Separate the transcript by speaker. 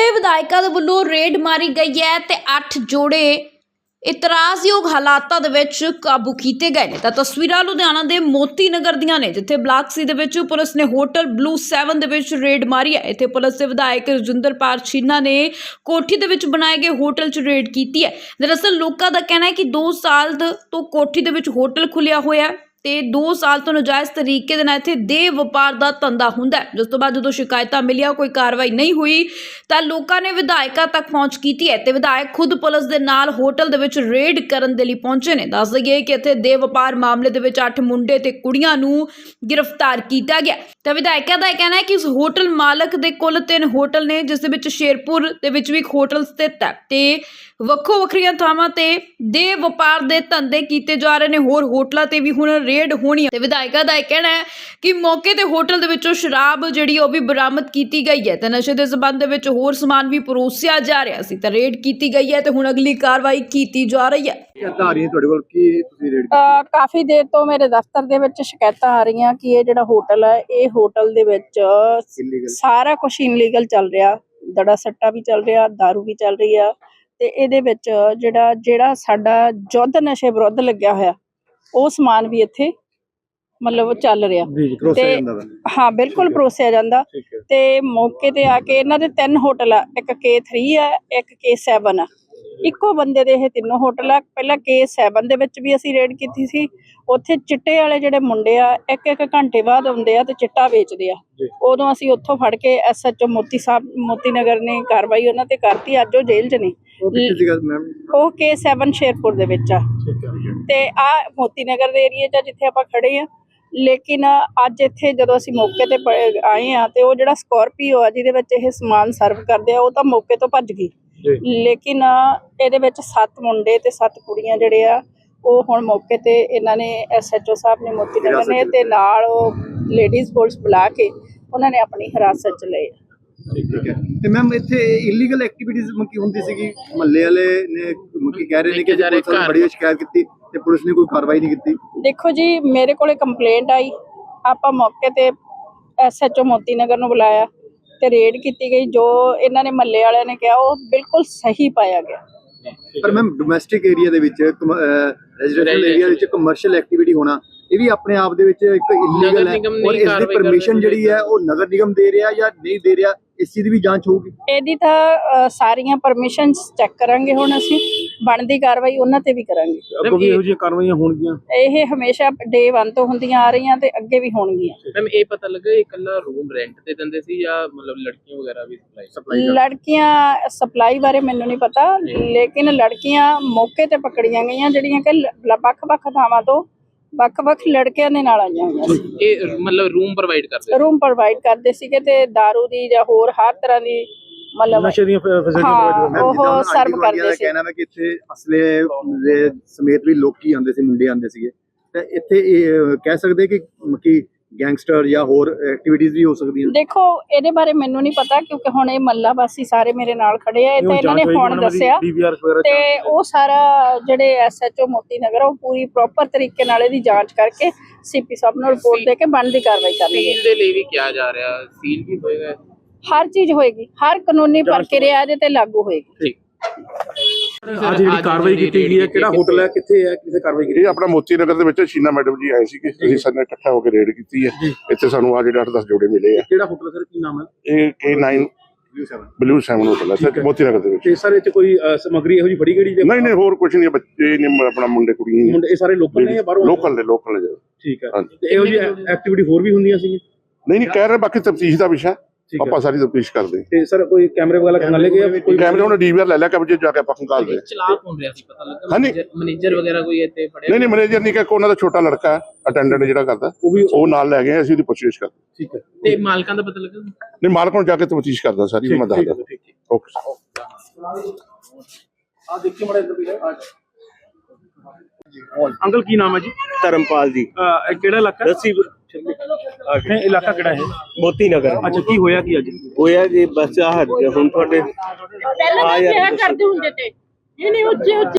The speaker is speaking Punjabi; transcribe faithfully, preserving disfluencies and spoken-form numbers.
Speaker 1: पासे विधायकों के वल्लों रेड मारी गई है ते अठ जोड़े इतराजयोग हालातां दे विच काबू किए गए ने। तां तस्वीरां लुधियाना दे मोती नगर दियां ने, जिथे ब्लॉक सी दे विच पुलिस ने होटल ब्लू सैवन दे विच रेड मारी है। इत्थे पुलिस दे विधायक रजिंदर पाल छीना ने कोठी दे विच बनाए गए होटल च रेड की है। दरअसल लोकां दा कहना है कि दो साल तो कोठी दे विच होटल खुलिया होया है ते दो साल तो नजायज़ तरीके दे नाल इत्थे देह वपार दा धंधा हुंदा है। जिस तो बाद जदों शिकायतां मिलियां कोई कार्रवाई नहीं हुई तां लोकां ने विधायकां तक पहुंच कीती है ते विधायक खुद पुलिस दे नाल होटल दे विच रेड करन दे लई पहुंचे ने। दस दईए कि इत्थे देह वपार मामले दे विच अठ मुंडे ते कुड़ियां नूं गिरफ्तार कीता गया। तां विधायकां दा कहना है कि इस होटल मालक दे कुल तीन होटल ने, जिस दे विच शेरपुर दे विच भी एक होटल स्थित है ते ਵੱਖੋ ਵੱਖਰੀਆਂ ਥਾਵਾਂ ਤੇ ਦੇਹ ਵਪਾਰ ਦੇ ਧੰਦੇ ਕੀਤੇ ਜਾ ਰਹੇ ਨੇ। ਹੋਰ ਹੋਟਲਾਂ ਤੇ ਵੀ ਹੁਣ ਰੇਡ ਹੋਣੀ ਹੈ ਤੇ ਵਿਧਾਇਕਾਂ ਦਾ ਇਹ ਕਹਿਣਾ ਹੈ ਕਿ ਮੌਕੇ ਤੇ ਹੋਟਲ ਦੇ ਵਿੱਚੋਂ ਸ਼ਰਾਬ ਜਿਹੜੀ ਉਹ ਵੀ ਬਰਾਮਦ ਕੀਤੀ ਗਈ ਹੈ ਤੇ ਨਸ਼ੇ ਦੇ ਸਬੰਧ ਦੇ ਵਿੱਚ ਹੋਰ ਸਮਾਨ ਵੀ ਪਰੋਸਿਆ ਜਾ ਰਿਹਾ ਸੀ ਤਾਂ ਰੇਡ ਕੀਤੀ ਗਈ ਹੈ ਤੇ ਹੁਣ ਅਗਲੀ ਕਾਰਵਾਈ ਕੀਤੀ ਜਾ ਰਹੀ ਹੈ।
Speaker 2: ਸ਼ਿਕਾਇਤਾਂ ਆ ਰਹੀਆਂ ਤੁਹਾਡੇ ਕੋਲ ਕੀ ਤੁਸੀਂ ਰੇਡ
Speaker 3: ਕਾਫੀ ਦੇਰ ਤੋਂ ਮੇਰੇ ਦਫ਼ਤਰ ਦੇ ਵਿੱਚ ਸ਼ਿਕਾਇਤਾਂ ਆ ਰਹੀਆਂ ਕਿ ਇਹ ਜਿਹੜਾ ਹੋਟਲ ਹੈ, ਇਹ ਹੋਟਲ ਦੇ ਵਿੱਚ ਸਾਰਾ ਕੁਝ ਇਨਲੀਗਲ ਚੱਲ ਰਿਹਾ, ਦੜਾ ਸੱਟਾ ਵੀ ਚੱਲ ਰਿਹਾ, ਦਾਰੂ ਵੀ ਚੱਲ ਰਹੀ ਆ ਤੇ ਇਹਦੇ ਵਿੱਚ ਜਿਹੜਾ ਜਿਹੜਾ ਸਾਡਾ ਯੁੱਧ ਨਸ਼ੇ ਵਿਰੁੱਧ ਲੱਗਿਆ ਹੋਇਆ ਉਹ ਸਮਾਨ ਵੀ ਇੱਥੇ ਮਤਲਬ ਚੱਲ ਰਿਹਾ ਤੇ ਹਾਂ ਬਿਲਕੁਲ ਪਰੋਸਿਆ ਜਾਂਦਾ। ਤੇ ਮੌਕੇ ਤੇ ਆ ਕੇ ਇਹਨਾਂ ਦੇ ਤਿੰਨ ਹੋਟਲ ਆ, ਇੱਕ ਕੇ ਥ੍ਰੀ ਆ, ਇੱਕ ਕੇ ਸੈਵਨ ਆ, ਇੱਕੋ ਬੰਦੇ ਦੇ ਇਹ ਤਿੰਨੋਂ ਹੋਟਲ ਆ। ਪਹਿਲਾਂ ਕੇ ਸੈਵਨ ਦੇ ਵਿੱਚ ਵੀ ਅਸੀਂ ਰੇਡ ਕੀਤੀ ਸੀ, ਉੱਥੇ ਚਿੱਟੇ ਵਾਲੇ ਜਿਹੜੇ ਮੁੰਡੇ ਆ ਇੱਕ ਇੱਕ ਘੰਟੇ ਬਾਅਦ ਆਉਂਦੇ ਆ ਤੇ ਚਿੱਟਾ ਵੇਚਦੇ ਆ। ਉਦੋਂ ਅਸੀਂ ਉੱਥੋਂ ਫੜ ਕੇ ਐਸ ਐਚ ਓ ਮੋਤੀ ਸਾਹਿਬ ਮੋਤੀ ਨਗਰ ਨੇ ਕਾਰਵਾਈ ਉਹਨਾਂ ਤੇ ਕਰਤੀ। ਅੱਜ ਉਹ ਜੇਲ੍ਹ 'ਚ ਨੇ। ਉਹ ਕੇ ਸੈਵਨ ਸ਼ੇਰਪੁਰ ਦੇ ਵਿੱਚ ਆ ਤੇ ਆ ਮੋਤੀ ਨਗਰ ਦੇ ਏਰੀਏ 'ਚ ਜਿੱਥੇ ਆਪਾਂ ਖੜੇ ਆ। ਲੇਕਿਨ ਅੱਜ ਇੱਥੇ ਜਦੋਂ ਅਸੀਂ ਮੌਕੇ ਤੇ ਆਏ ਆ ਤੇ ਉਹ ਜਿਹੜਾ ਸਕੋਰਪੀਓ ਆ ਜਿਹਦੇ ਵਿੱਚ ਇਹ ਸਮਾਨ ਸਰਵ ਕਰਦੇ ਆ ਉਹ ਤਾਂ ਮੌਕੇ ਤੋਂ ਭੱਜ ਗਈ। ਲੇਕਿਨ ਇਹਦੇ ਵਿੱਚ ਸੱਤ ਮੁੰਡੇ ਤੇ ਸੱਤ ਕੁੜੀਆਂ ਜਿਹੜੇ ਆ ਉਹ ਹੁਣ ਮੌਕੇ ਤੇ ਇਹਨਾਂ ਨੇ ਐਸ ਐਚ ਓ ਸਾਹਿਬ ਨੇ ਮੋਤੀ ਨਗਰ ਨੇ ਤੇ ਨਾਲ ਉਹ ਲੇਡੀਜ਼ ਪੁਲਿਸ ਬੁਲਾ ਕੇ ਉਹਨਾਂ ਨੇ ਆਪਣੀ ਹਿਰਾਸਤ 'ਚ ਲਏ।
Speaker 2: ਠੀਕ ਹੈ ਤੇ ਮੈਮ ਇੱਥੇ ਇਲੀਗਲ ਐਕਟੀਵਿਟੀਜ਼ ਮੱਕੀ ਹੁੰਦੀ ਸੀਗੀ, ਮਹੱਲੇ ਵਾਲੇ ਨੇ ਮੱਕੀ ਕਹਿ ਰਹੇ ਨੇ ਕਿ ਪੁਲਿਸ ਨੇ ਬੜੀ ਸ਼ਿਕਾਇਤ ਕੀਤੀ ਤੇ ਪੁਲਿਸ ਨੇ ਕੋਈ ਕਾਰਵਾਈ ਨਹੀਂ ਕੀਤੀ।
Speaker 3: ਦੇਖੋ ਜੀ, ਮੇਰੇ ਕੋਲੇ ਕੰਪਲੇਂਟ ਆਈ, ਆਪਾਂ ਮੌਕੇ ਤੇ ਐਸ ਐਚ ਓ ਮੋਤੀ ਨਗਰ ਨੂੰ ਬੁਲਾਇਆ ਤੇ ਰੇਡ ਕੀਤੀ ਗਈ। ਜੋ ਇਹਨਾਂ ਨੇ ਮਹੱਲੇ ਵਾਲਿਆਂ ਨੇ ਕਿਹਾ ਉਹ ਬਿਲਕੁਲ ਸਹੀ ਪਾਇਆ ਗਿਆ।
Speaker 2: ਪਰ ਮੈਮ ਡੋਮੈਸਟਿਕ ਏਰੀਆ ਦੇ ਵਿੱਚ ਰੈਜ਼ੀਡੈਂਸ਼ੀਅਲ ਏਰੀਆ ਵਿੱਚ ਕਮਰਸ਼ੀਅਲ ਐਕਟੀਵਿਟੀ ਹੋਣਾ ਇਹ ਵੀ ਆਪਣੇ ਆਪ ਦੇ ਵਿੱਚ ਇੱਕ ਇਲੀਗਲ ਹੈ ਔਰ ਇਸ ਦੀ ਪਰਮਿਸ਼ਨ ਜਿਹੜੀ ਹੈ ਉਹ ਨਗਰ ਨਿਗਮ ਦੇ ਰਿਹਾ ਜਾਂ ਨਹੀਂ ਦੇ ਰਿਹਾ, ਇਸ ਚੀਜ਼ ਦੀ ਵੀ ਜਾਂਚ ਹੋਊਗੀ।
Speaker 3: ਇਹਦੀ ਤਾਂ ਸਾਰੀਆਂ ਪਰਮਿਸ਼ਨਸ ਚੈੱਕ ਕਰਾਂਗੇ, ਹੁਣ ਅਸੀਂ ਬਣਦੀ ਕਾਰਵਾਈ ਉਹਨਾਂ ਤੇ ਵੀ ਕਰਾਂਗੇ।
Speaker 2: ਅੱਗੋਂ ਵੀ ਇਹੋ ਜਿਹੀਆਂ ਕਾਰਵਾਈਆਂ ਹੋਣਗੀਆਂ।
Speaker 3: ਇਹ ਹਮੇਸ਼ਾ ਡੇ ਵਨ ਤੋਂ ਹੁੰਦੀਆਂ ਆ ਰਹੀਆਂ ਤੇ ਅੱਗੇ ਵੀ ਹੋਣਗੀਆਂ।
Speaker 4: ਮੈਮ ਇਹ ਪਤਾ ਲੱਗਾ ਇਹ ਇਕੱਲਾ ਰੂਮ ਰੈਂਟ ਤੇ ਦਿੰਦੇ ਸੀ ਜਾਂ ਮਤਲਬ ਲੜਕੀਆਂ ਵਗੈਰਾ ਵੀ ਸਪਲਾਈ?
Speaker 3: ਲੜਕੀਆਂ ਸਪਲਾਈ ਬਾਰੇ ਮੈਨੂੰ ਨਹੀਂ ਪਤਾ, ਲੇਕਿਨ ਲੜਕੀਆਂ ਮੌਕੇ ਤੇ ਪਕੜੀਆਂ ਗਈਆਂ ਜਿਹੜੀਆਂ ਕਿ ਵੱਖ-ਵੱਖ ਥਾਵਾਂ ਤੋਂ ਵੱਖ-ਵੱਖ ਲੜਕਿਆਂ ਦੇ ਨਾਲ ਆਈਆਂ ਹੋਈਆਂ ਸੀ।
Speaker 4: ਇਹ ਮਤਲਬ ਰੂਮ ਪ੍ਰੋਵਾਈਡ ਕਰਦੇ
Speaker 3: ਰੂਮ ਪ੍ਰੋਵਾਈਡ ਕਰਦੇ ਸੀਗੇ ਤੇ ਦਾਰੂ ਦੀ ਜਾਂ ਹੋਰ ਹਰ ਤਰ੍ਹਾਂ ਦੀ ਮਤਲਬ
Speaker 2: ਨਸ਼ੇ ਦੀਆਂ ਫੈਸਿਲਿਟੀਆਂ
Speaker 3: ਉਹ ਸਰਵ ਕਰਦੇ ਸੀ।
Speaker 2: ਕਹਿਣਾ ਮੈਂ ਕਿ ਇੱਥੇ ਅਸਲੇ ਦੇ ਸਮੇਤ ਵੀ ਲੋਕੀ ਆਉਂਦੇ ਸੀ, ਮੁੰਡੇ ਆਉਂਦੇ ਸੀਗੇ ਤੇ ਇੱਥੇ ਇਹ ਕਹਿ ਸਕਦੇ ਕਿ ਕਿ ਗੈਂਗਸਟਰ ਜਾਂ ਹੋਰ ਐਕਟੀਵਿਟੀਜ਼ ਵੀ ਹੋ ਸਕਦੀਆਂ।
Speaker 3: ਦੇਖੋ ਇਹਦੇ ਬਾਰੇ ਮੈਨੂੰ ਨਹੀਂ ਪਤਾ ਕਿਉਂਕਿ ਹੁਣ ਇਹ ਮੱਲਾ ਵਾਸੀ ਸਾਰੇ ਮੇਰੇ ਨਾਲ ਖੜੇ ਆ, ਇਹ ਤਾਂ ਇਹਨਾਂ ਨੇ ਹੁਣ ਦੱਸਿਆ ਤੇ ਉਹ ਸਾਰਾ ਜਿਹੜੇ ਐਸ ਐਚ ਓ ਮੋਤੀ ਨਗਰ ਉਹ ਪੂਰੀ ਪ੍ਰੋਪਰ ਤਰੀਕੇ ਨਾਲ ਇਹਦੀ ਜਾਂਚ ਕਰਕੇ ਸੀ ਪੀ ਸਾਹਿਬ ਨੂੰ ਰਿਪੋਰਟ ਦੇ ਕੇ ਬਣਦੀ ਕਾਰਵਾਈ ਕਰਨਗੇ।
Speaker 4: ਸੀਲ ਦੇ ਲਈ ਵੀ ਕਿਹਾ ਜਾ ਰਿਹਾ, ਸੀਲ ਵੀ ਹੋਏਗਾ,
Speaker 3: ਹਰ ਚੀਜ਼ ਹੋਏਗੀ, ਹਰ ਕਾਨੂੰਨੀ ਪ੍ਰਕਿਰਿਆ ਇਹਦੇ ਤੇ ਲਾਗੂ ਹੋਏਗੀ।
Speaker 4: ਠੀਕ।
Speaker 2: ਅੱਜ ਜਿਹੜੀ ਕਾਰਵਾਈ ਕੀਤੀ ਗਈ ਹੈ ਕਿਹੜਾ ਹੋਟਲ ਹੈ, ਕਿੱਥੇ ਹੈ, ਕਿੱਥੇ ਕਾਰਵਾਈ ਕੀਤੀ?
Speaker 5: ਇਹ ਆਪਣਾ ਮੋਤੀ ਨਗਰ ਦੇ ਵਿੱਚ ਸ਼ੀਨਾ ਮੈਡਮ ਜੀ ਆਏ ਸੀਗੇ, ਅਸੀਂ ਸਾਰੇ ਨੇ ਇਕੱਠਾ ਹੋ ਕੇ ਰੇਡ ਕੀਤੀ ਹੈ। ਇੱਥੇ ਸਾਨੂੰ ਆ ਜਿਹੜੇ ਅੱਠ ਦਸ ਜੋੜੇ ਮਿਲੇ ਆ।
Speaker 2: ਕਿਹੜਾ ਹੋਟਲ ਸਰ, ਕੀ ਨਾਮ ਹੈ?
Speaker 5: ਇਹ K nine blue seven hotel ਹੈ ਸਰ, ਮੋਤੀ ਨਗਰ ਦੇ ਵਿੱਚ।
Speaker 2: ਤੇ ਸਰ ਇਹ ਚ ਕੋਈ ਸਮੱਗਰੀ ਇਹੋ ਜਿਹੀ ਫੜੀ ਗਈ?
Speaker 5: ਨਹੀਂ ਨਹੀਂ ਹੋਰ ਕੁਝ ਨਹੀਂ, ਬੱਚੇ ਨੇ ਆਪਣਾ ਮੁੰਡੇ ਕੁੜੀਆਂ
Speaker 2: ਮੁੰਡੇ ਇਹ ਸਾਰੇ ਲੋਕਲ ਨੇ ਜਾਂ ਬਾਹਰੋਂ?
Speaker 5: ਲੋਕਲ ਨੇ, ਲੋਕਲ ਨੇ।
Speaker 2: ਠੀਕ ਹੈ। ਤੇ ਇਹੋ ਜਿਹੀ ਐਕਟੀਵਿਟੀ ਹੋਰ ਵੀ ਹੁੰਦੀਆਂ ਸੀ?
Speaker 5: ਨਹੀਂ ਨਹੀਂ ਕਹਿ ਰਹੇ, ਬਾਕੀ ਤਫਤੀਸ਼ ਦਾ ਵਿਸ਼ਾ ਆਪਾਂ ਸਾਰੀ ਤਫਤੀਸ਼ ਕਰਦੇ।
Speaker 2: ਤੇ ਸਰ ਕੋਈ ਕੈਮਰੇ ਵਗੈਰਾ ਖੰਗਾ ਲੈ ਗਏ? ਕੋਈ
Speaker 5: ਕੈਮਰੇ ਉਹਨੇ ਡੀਵੀਆਰ ਲੈ ਲਿਆ ਕਬਜੇ ਜਾ ਕੇ ਆਪਾਂ ਖੰਗਾਲਦੇ।
Speaker 4: ਚਲਾਕ ਹੋਣ ਰਿਹਾ ਸੀ, ਪਤਾ ਲੱਗਾ ਮੈਨੇਜਰ ਵਗੈਰਾ ਕੋਈ ਇੱਥੇ ਫੜਿਆ?
Speaker 5: ਨਹੀਂ ਨਹੀਂ ਮੈਨੇਜਰ ਨਹੀਂ, ਕਿ ਉਹਨਾਂ ਦਾ ਛੋਟਾ ਲੜਕਾ ਅਟੈਂਡੈਂਟ ਜਿਹੜਾ ਕਰਦਾ ਉਹ ਵੀ ਉਹ ਨਾਲ ਲੈ ਗਏ, ਅਸੀਂ ਉਹਦੀ ਪੁੱਛਗਿੱਛ ਕਰਦੇ।
Speaker 2: ਠੀਕ ਹੈ।
Speaker 4: ਤੇ ਮਾਲਕਾਂ ਦਾ ਪਤਾ ਲੱਗਾ?
Speaker 5: ਨਹੀਂ ਮਾਲਕ ਨੂੰ ਜਾ ਕੇ ਤਫਤੀਸ਼ ਕਰਦਾ ਸਾਰੀ, ਮੈਂ ਦੱਸਦਾ। ਓਕੇ
Speaker 2: ਆ ਦੇਖੀ ਮੜੇ ਇੱਧਰ ਵੀ ਹੈ। ਅੰਕਲ ਕੀ ਨਾਮ ਹੈ ਜੀ?
Speaker 6: ਧਰਮਪਾਲ ਜੀ।
Speaker 2: ਇਹ ਕਿਹੜਾ ਇਲਾਕਾ?
Speaker 6: ਦੱਸੀ
Speaker 2: ਇਹ ਇਲਾਕਾ ਕਿਹੜਾ ਹੈ?
Speaker 6: ਮੋਤੀ ਨਗਰ।
Speaker 2: ਅੱਛਾ, ਕੀ ਹੋਇਆ ਕੀ ਅੱਜ?
Speaker 6: ਹੋਇਆ ਜੀ ਬਸ ਆਹ ਹੁਣ ਤੁਹਾਡੇ
Speaker 3: ਪਹਿਲਾਂ ਕਰਦੇ ਹੁੰਦੇ ਤੇ ਇਹ ਨਹੀਂ ਉੱਚੇ ਉੱਚੇ